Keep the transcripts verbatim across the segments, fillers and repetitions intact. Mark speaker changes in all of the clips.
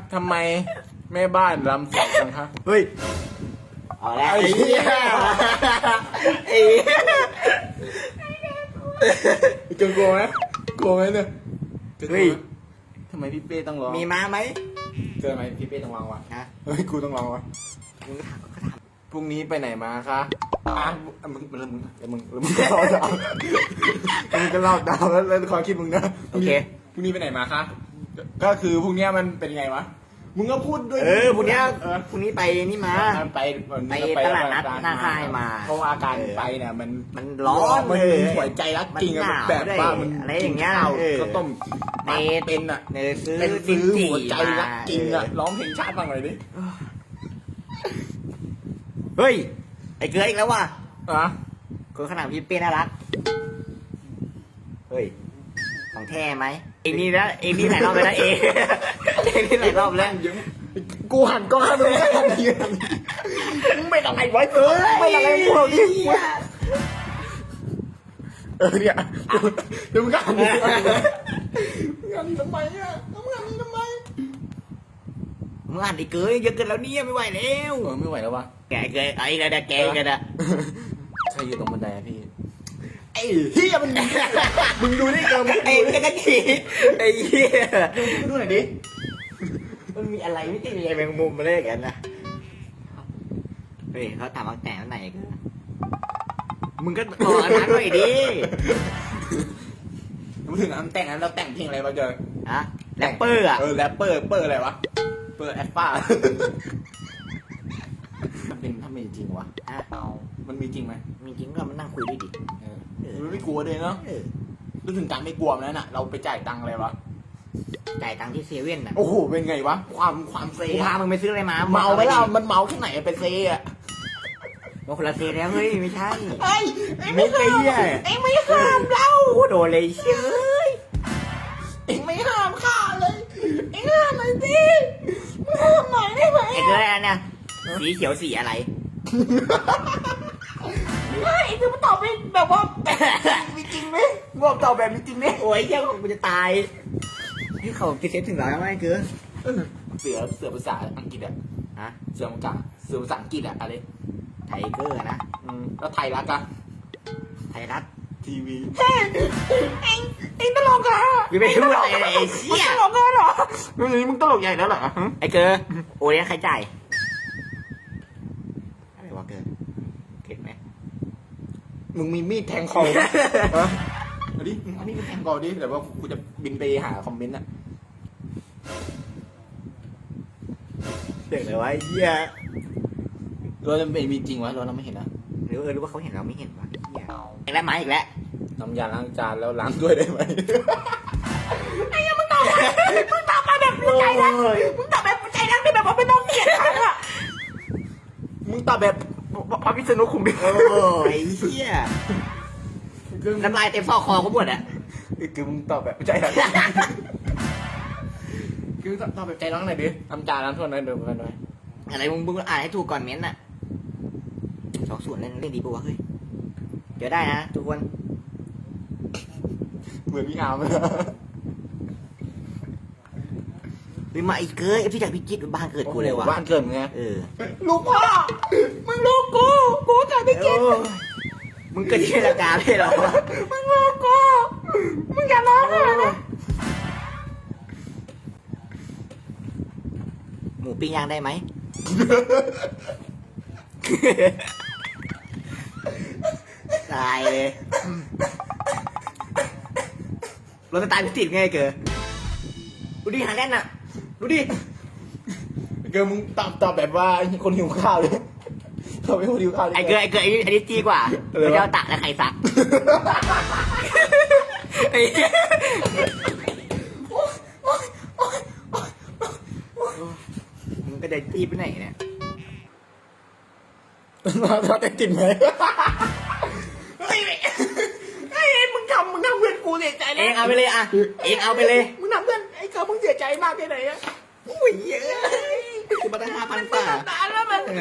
Speaker 1: ทำไมแม่บ้านรำสวยจังคะ
Speaker 2: เฮ้ยเอาแล้วไอ้เหี้ยไอ้
Speaker 1: จะกลัวไหมกลัวไหมเนี่ย
Speaker 2: เฮ้ย
Speaker 1: ทำไมพี่เป้ต้องร้อง
Speaker 2: มีม้าไหม
Speaker 1: เจอไหมพี่เป้ต้องร้องวะ
Speaker 2: ฮะ
Speaker 1: เฮ้ยกูต้องร้องวะ
Speaker 2: มึงก็ถามก็ถาม
Speaker 1: พรุ่งนี้ไปไหนมาคะอ่ะมึงมึงมึงมึงมึงก็เล่าดาวมึงก็เล่าดาวแล้วแล้วความคิดมึงนะ
Speaker 2: โอเค
Speaker 1: พรุ่งนี้ไปไหนมาคะก็คือพรุ่งนี้มันเป็นไงวะมึงก็พูดด้วย
Speaker 2: เออพรุ่งนี้พรุ่งนี้ไปนี่มา
Speaker 1: ไป
Speaker 2: ไปตลาดนัดหน้าค่ายมา
Speaker 1: เพราะว่าการไปเนี่ยมัน
Speaker 2: มันร้อน
Speaker 1: มันหัวใจรักจริงอะแบบว่ามัน
Speaker 2: อะไรอย่างเงี้ย
Speaker 1: เขาต้มเนเป็นอะ
Speaker 2: เนยซื้อ
Speaker 1: เป็นซื้อหัวใจรักจริงอะร้องเพลงชาติบ้างเลยดิ
Speaker 2: เฮ้ยไอ้เกลืออีกแล้วว่ะ
Speaker 1: อะ
Speaker 2: คนขนาดพี่เป้น่ารักเฮ้ยของแท้ไหมเอ็งนี่นะเอ็งนี่หลายรอบเลยนะเอ็งเอ็งนี่หลายรอบแล้ว
Speaker 1: กูหันกล้องให้มึงไม่ทันทีมึงไม่ต้องไงไว้เออไม่ต้องไงพวกนี้เออเนี่ยเดี๋ยวมึงก็หันมึงหันทำไมอ่ะมึงหันทำไม
Speaker 2: มึงหันไอ้เกลือเยอะเกินแล้วเนี่ยไม่ไหวแล้ว
Speaker 1: เออไม่ไหวแล้ววะ
Speaker 2: แกเกลือไอ้กระดาแกกระดา
Speaker 1: ใครอยู่ตรงบันไดพี่ไอ้เฮียมันมึงดูนี่เกินมึง
Speaker 2: ไอ้กระจีไอ้เฮีย
Speaker 1: ดูหน่อยดิ
Speaker 2: มันมีอะไรไม่ใช่อะไรแมงมุมมาเลยกันนะเฮ้ยเขาถามว่าแต่งวันไหนกันมึงก็บอกอันนั้นหน่อยดิ
Speaker 1: มึงถึงอันแต่งนั้นเราแต่งเพลงอะไรมาเจอ
Speaker 2: ฮะแรปเปอร์อ่ะ
Speaker 1: เออแรปเปอร์เปอร์อะไรวะเปอร์แอปป้ามันเป็นถ้ามีจริงวะมันมีจริงไหม
Speaker 2: มีจริงก็มันนั่งคุยด้วยดิ
Speaker 1: มันไม่กลัวเลยเนาะรู้ถึงการไม่กลัวมันน่ะเราไปจ่ายตังค์อะไรวะ
Speaker 2: จ่ายตังค์ที่เซเว่นอ่ะ
Speaker 1: โอ้โหเป็นไงวะความความเซ่
Speaker 2: พามึงไปซื้ออะไรมา
Speaker 1: เมาไหมล่ะมันเมาแค่ไหนไปเซ่อะ
Speaker 2: มาคนละเซ่แล้วเฮ้ยไม่ใช่
Speaker 1: เฮ้ยไม่ใช่เอ็งไม่ห้ามเรา
Speaker 2: โดนเลยเชย
Speaker 1: เอ็งไม่ห้ามข้าเลยเอ็งห้ามหน่อยสิห้ามหน่อยได้ไหม
Speaker 2: ไอ้เกลือเนี่ยสีเขียวสีอะไร
Speaker 1: เฮ้ยเอ็งจะมาตอบเป็นแบบว่ามีจริงไหมบอกตอบแบบมีจริงไหม
Speaker 2: โอ้ยเจ้ากูจะตายที่เขาพิเศษถึงแล้วไหมเกลือ
Speaker 1: เสือเสือภาษาอังกฤษอะ
Speaker 2: ฮะ
Speaker 1: เสือมังกรเสือภาษาอังกฤษอะอะไร
Speaker 2: ไทเกอร์นะ
Speaker 1: อืมแล้วไทยรัฐอะ
Speaker 2: ไทยรัฐ
Speaker 1: ทีวีเฮ้ยเอ็งเอ็งตลกอะ
Speaker 2: ไม่พูดอะไรไอ้เชี่ย
Speaker 1: ตลกเหรอมึงมึงตลกใหญ่แล้วเหรอ
Speaker 2: ไอ้เกลือโอ้ยใครจ่ายอะไรวะเกลือเข็ดไหม
Speaker 1: มึงมีมีดแทงคอไหมอันนี้อันนี้มึงแทงคอดิแต่ว่ากูจะบินไปหาคอมเมนต์อะ
Speaker 2: เด็กเลยวะเหี้ย
Speaker 1: เราจะเป็นมีจริงวะเราเราไม่เห็นนะ
Speaker 2: หรือเออหรือว่าเขาเห็นเราไม่เห็นวะเหี้ยอีกแล้วมาอีกแล้ว
Speaker 1: น้ำยาล้างจานแล้วล้างด้วยได้ไหม
Speaker 2: ไอ้ยังมึงตอบมึงตอบมาแบบหัวใจนะมึงตอบแบบหัวใจนะที่แบบว่าไม่ต้องเกลียดฉันอะ
Speaker 1: มึงตอบแบบพระพิษณุคุมดิ
Speaker 2: โอ้ยเหี้ยน้ำลายเต็มซอกคอเขาหมดอะ
Speaker 1: คือมึงตอบแบบใจรักคือตอบแบบใจรักหน่อยดิน้ำจานล้างถ้วยหน่อยเดี๋ยวกันหน่อย
Speaker 2: อะไรมึงมึงอ่านให้ถูกก่อนเม้นน่ะสองส่วนเล่นเล่นดีปะวะเฮ้ยเดี๋ยวได้นะทุกคน
Speaker 1: เหมือนพี่อาร์มเลย
Speaker 2: มีมาอีกเกิดพี่จากพี่จิ๊ดบ้านเกิดกูเลยวะ
Speaker 1: บ้านเกิดมึงไง
Speaker 2: เออ
Speaker 1: ลูกพ่อมึงลูกกูกูจากพี่จิ๊ด
Speaker 2: มึงเกิดที่รากาไม่หรอ
Speaker 1: มึงลูกกูมึงอย่าร้องเลย
Speaker 2: หมูปิ้งย่างได้ไหมตายเลยเราจะตายพิจิตรไงเกิดดูดิหาแน่นอ่ะดูดิ
Speaker 1: เกิดมึงตอบตอบแบบว่าคนหิวข้าวเลยตอบเป็นคนหิวข้าว
Speaker 2: ไอ้เกิดไอ้เกิดไอ้นี่จีกว่าพระเจ้าตากและใครสักมึงก็ได้จีไปไหนเนี่ย
Speaker 1: เราแต่ติดไหมไอ้ไอ้มึงทำมึงทำเพื่อนกูเสียใจเลย
Speaker 2: เองเอาไปเลยอ่ะเองเอาไปเลย
Speaker 1: มึงทำเพื่อนไอ้เกิดมึงเสียใจมากแค่ไหนอะ
Speaker 2: โอ้ยเยอะคือมาตั้งห้าพันกว่า
Speaker 1: ตาแล้วมัน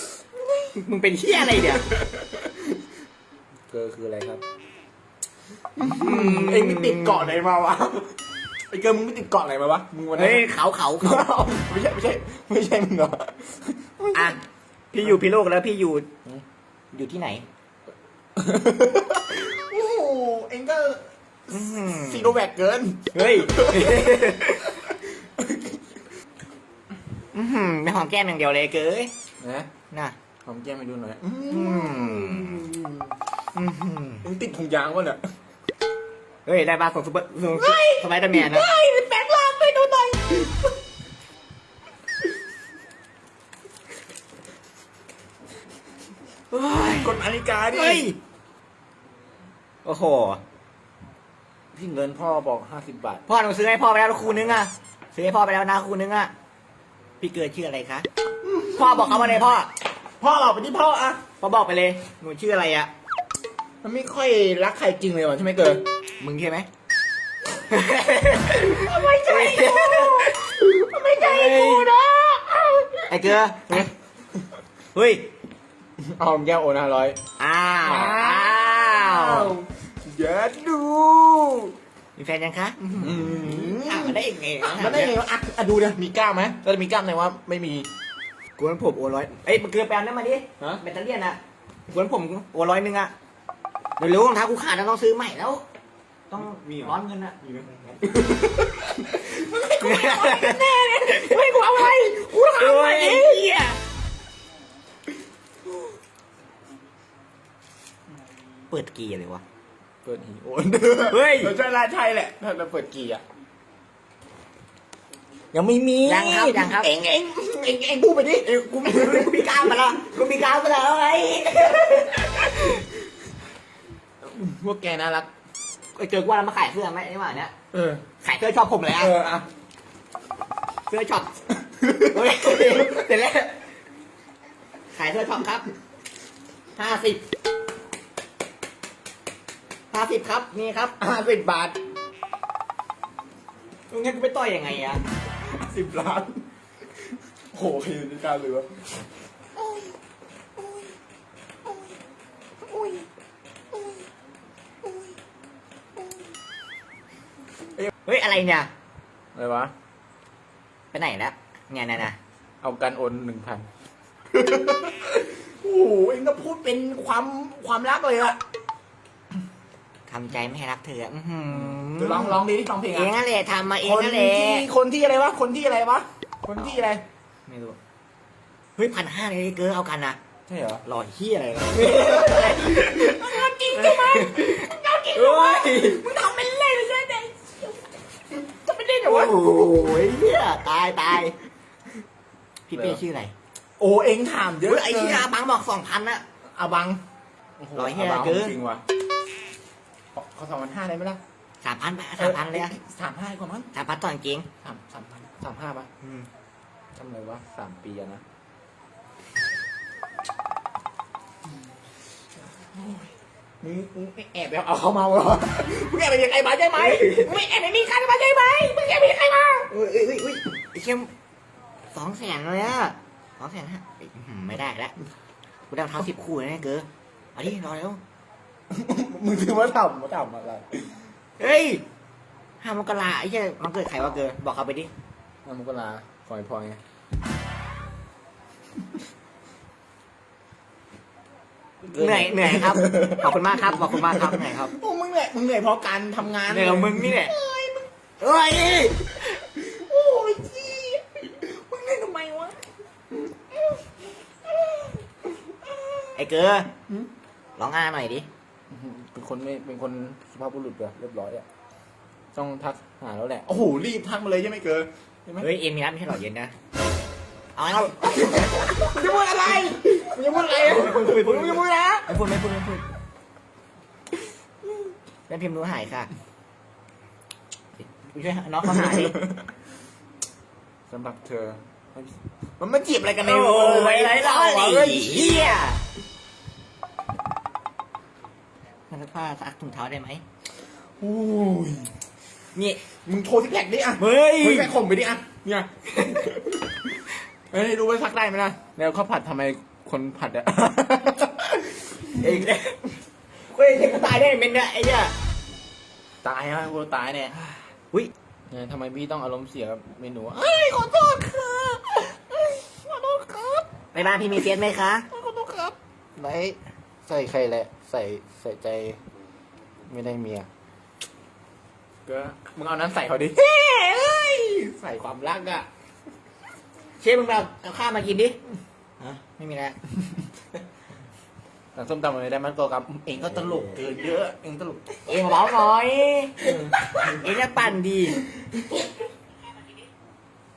Speaker 2: มึงเป็นเหี้ยอะไรเดี๋ยว
Speaker 1: เกิดคืออะไรครับเอ็งไม่ติดเกาะไหนมาวะไอ้เกิร์ลมึงไม่ติดเกาะไหนมาวะมึงวันนี้
Speaker 2: เฮ้ยเขาเขาเขา
Speaker 1: ไม่ใช่ไม่ใช่ไม่ใช่มึงเหรอ
Speaker 2: อ่ะพี่อยู่พิโลกแล้วพี่อยู่อยู่ที่ไหน
Speaker 1: โอ้โหเอ็งก็
Speaker 2: อื้อหือ
Speaker 1: ซีโนแวคเกิน
Speaker 2: เฮ้ยอื้อหือไม่หอมแก้มอย่างเดียวเลยเก้ย
Speaker 1: นะ
Speaker 2: น่ะ
Speaker 1: หอมแก้มไปดูหน่อย
Speaker 2: อืมอื้อหือ
Speaker 1: มึงติดถุงยางวะเนี่ย
Speaker 2: เฮ้ยได้บ้าของซุปเปอร์สไปเดอร์แมนนะ
Speaker 1: แปลงร่างไปดูหน่อยกดนาฬิกาดิ
Speaker 2: เฮ้ยโอ้โห
Speaker 1: พี่เงินพ่อบอกห้าสิบบาท
Speaker 2: พ่อหนูซื้อให้พ่อไปแล้วคูนึงอ่ะซื้อให้พ่อไปแล้วนะคูนึงอ่ะพี่เกิดชื่ออะไรคะพ่อบอกเขามาเลยพ่อ
Speaker 1: พ่อบอกไปที่พ่ออะ
Speaker 2: พ่อบอกไปเลยหนูชื่ออะไรอ่ะ
Speaker 1: มันไม่ค่อยรักใครจริงเลยว่ะใช่ไหมเกิร์ล
Speaker 2: มึงใช่ไหม
Speaker 1: ไม่ใช่ไม่ใช่กูนะ
Speaker 2: ไอ้เกลือเฮ้ย
Speaker 1: เอาแก้วโอนห้าร้อย
Speaker 2: อ้าวอ้าว
Speaker 1: เดี๋ยวดู
Speaker 2: มีแฟนยังคะอ้าวมาได้ยังไง
Speaker 1: มันได้ไงวะอ่ะอ่ะดูเดี๋ยวมีกล้ามไหมเราจะมีกล้ามไหนวะไม่มี
Speaker 2: กวนผมโอร้อยเอ้ยมันเกลือแปลงนั่นมาดิ
Speaker 1: ฮะ
Speaker 2: แบตเตอรี่อ่ะกวนผมโอร้อยนึงอ่ะเดี๋ยวรู้รองเท้ากูขาดแล้วต้องซื้อใหม่แล้ว ต้องร้อนเงินอ่ะ
Speaker 1: มีไหม
Speaker 2: แน่เลยเฮ้ยกูเอาอะไรกูเอาอะไรเนี่ยเปิดกีอะไรวะ
Speaker 1: เปิดหีโอน
Speaker 2: เฮ้ย
Speaker 1: เราใช่ละใช่แหละถ้าเราเปิดกี่อ่ะยังไม่มี
Speaker 2: ยังครับยังครับ
Speaker 1: เอ็งเอ็งเอ็งเอ็งพูดไปดิ
Speaker 2: เอ้ยกูมีกูมีกล้ามมาแล้วกูมีกล้ามมาแล้วไง
Speaker 1: พวกแกน่ารัก
Speaker 2: ไอ้เจอกูว่าเรามาขายเสื้อไหมไอ้หว่าเนี้ย
Speaker 1: เออ
Speaker 2: ขายเสื้อช็อปผมเลยอ่ะ
Speaker 1: เอออ่ะ
Speaker 2: เสื้อช็อปเฮ้ยเสร็จแล้วขายเสื้อช็อปครับห้าสิบห้าสิบครับนี่ครับ
Speaker 1: ห้าสิบบาท
Speaker 2: มึงให้กูไปต่อยยังไงอะ
Speaker 1: สิบล้านโหใครอยู่ในการเลยวะ
Speaker 2: เฮ้ยอะไรเนี่ย
Speaker 1: อะไรวะ
Speaker 2: ไปไหนแล้วเนี่ยนะนะ
Speaker 1: เอาการโอนหนึ่งพันโอ้โหเอ็งก็พูดเป็นความความรักเลยอะ
Speaker 2: ทำใจไม่ให้รักเธออื้อหื
Speaker 1: เดี๋ยวลองลองดิลองเพลง
Speaker 2: เอง
Speaker 1: อะ
Speaker 2: นั่นแหละทำมาเอง
Speaker 1: คน
Speaker 2: นั่นแหละ
Speaker 1: ที่คนที่อะไรวะ คนที่อะไรวะ คนที่อะไร
Speaker 2: ไม่รู้เฮ้ยพันห้าเลยเกินเอากันนะ
Speaker 1: ใช่เหรอ
Speaker 2: หล่อเฮียอะไรวะ
Speaker 1: จริงใช่ไหม
Speaker 2: เฮ้ย
Speaker 1: มึงทำเป็นเล่นเลยใช่ไหมจะเป็นเล่นเหรอ
Speaker 2: โอ้
Speaker 1: วะ
Speaker 2: โหเฮียตายตายพี่เป้ชื่ออะไร
Speaker 1: โอ้เอ็งถามเยอะ
Speaker 2: เฮ้ยไอ้ที่อาบังบอกสองพันอะ
Speaker 1: อาบัง
Speaker 2: ร้อยเหี้ย
Speaker 1: าบัง
Speaker 2: เกิน
Speaker 1: จริงว่ะขอขอสองพันห้าได้ไหมล่ะ
Speaker 2: สามพันไปสามพันเลยอะ
Speaker 1: สามห้าดีกว่ามั้ง
Speaker 2: สามพันต่อจริง
Speaker 1: สามสามพันสามห้าป่ะ
Speaker 2: อืม
Speaker 1: ทำไรวะสามปีอะนะมึงมึงแอบไปเอาเขามาเหรอมึงแอบไปยังไงมาใช่ไหมมึงไม่แอบไปมีใครมาใช่ไหมมึงแอบไปยังไงมา
Speaker 2: เอ้ยเอ้ยเอ้ยเอ้ยไอ้เข้มสองแสนเลยอะสองแสนฮะอื้อหือไม่ได้แล้วกูได้รองเท้าสิบคู่เลยนะเก๋เอาดิรอแล้ว
Speaker 1: มึงถือว่าทำมาทำอะไร
Speaker 2: เฮ้ยห้ามกราไอ้เหี้ยมันเกิดใครวะเก๋บอกเขาไปดิ
Speaker 1: น้ำมุกลาคอยพอยไง
Speaker 2: เหนื่อยเหนื่อยครับขอบคุณมากครับขอบคุณมากครับเหนื่อยครับ
Speaker 1: โอ้มึงเหนื่อยมึงเหนื่อยเพราะการทำงาน
Speaker 2: เหนื่อยกับมึงนี่แหละเอ้ย
Speaker 1: โอ้ยจี้มึงเล่นทำไมวะ
Speaker 2: ไอ้เก๋ร้องอ้าหน่อยดิ
Speaker 1: เป็นคนไม่เป็นคนสุภาพบุรุษแบบเรียบร้อยอะต้องทักหาแล้วแหละโอ้โหรีบทักมาเลยใช่ไหมเกิร์ใช่ไหม
Speaker 2: เฮ้ยเอ็มมีนัดไม่ใช่หรอเย็นนะเอาเอา
Speaker 1: มึงจะพูดอะไรมึงจะพูดอะไรอะมึงจะพูดมึงจะพูดนะ
Speaker 2: ไม่พูดไม่พูดไม่พูดเล่นพิมพ์รู้หายค่ะกูช่วยน้องเขาหาดิ
Speaker 1: สำหรับเธอ มันมาจีบอะไรกันใน
Speaker 2: โอ้
Speaker 1: โอ้
Speaker 2: ยไรเล่า
Speaker 1: เฮ้
Speaker 2: ไอ้
Speaker 1: ย
Speaker 2: เหี้ยมันจะผ้าซักถุงเท้าได้ไหม
Speaker 1: โอ้ย
Speaker 2: นี่
Speaker 1: มึงโทรซิกแพคดิอ่ะ
Speaker 2: เฮ้ย
Speaker 1: โทรซิกแพคข่มไปดิอ่ะเนี่ยเฮ้ยรู้ว่าซักได้ไหมล่ะแล้วข้าวผัดทำไมคนผัดอะ
Speaker 2: เองเฮ้ยเด็กกูตายได้เป็นเนี่ยไอ้เนี่ย
Speaker 1: ตายฮะกูตายเนี่ย
Speaker 2: อุ้ย
Speaker 1: เนี่ยทำไมพี่ต้องอารมณ์เสียกับเมนูเอ้ยขอโทษค่ะเอ้ยขอโทษครับ
Speaker 2: ไปบ้านพี่มีเฟียสไหมคะ
Speaker 1: ขอโทษครับไหนใส่ใครแหละ ใส่ใส่ใจไม่ได้เมียก็มึงเอานั้นใส่เขาดิเฮ้ยใส่ความรักอะ
Speaker 2: เชฟมึงเอาเอาข้าวมากินดิฮะไม่มีแล้ว
Speaker 1: หลังส้มตำอะไรได้มันตัวกับเองก็ตลกเกินเยอะเองตลก
Speaker 2: เองเบาหน่อย เองจะปั่นดี
Speaker 1: เ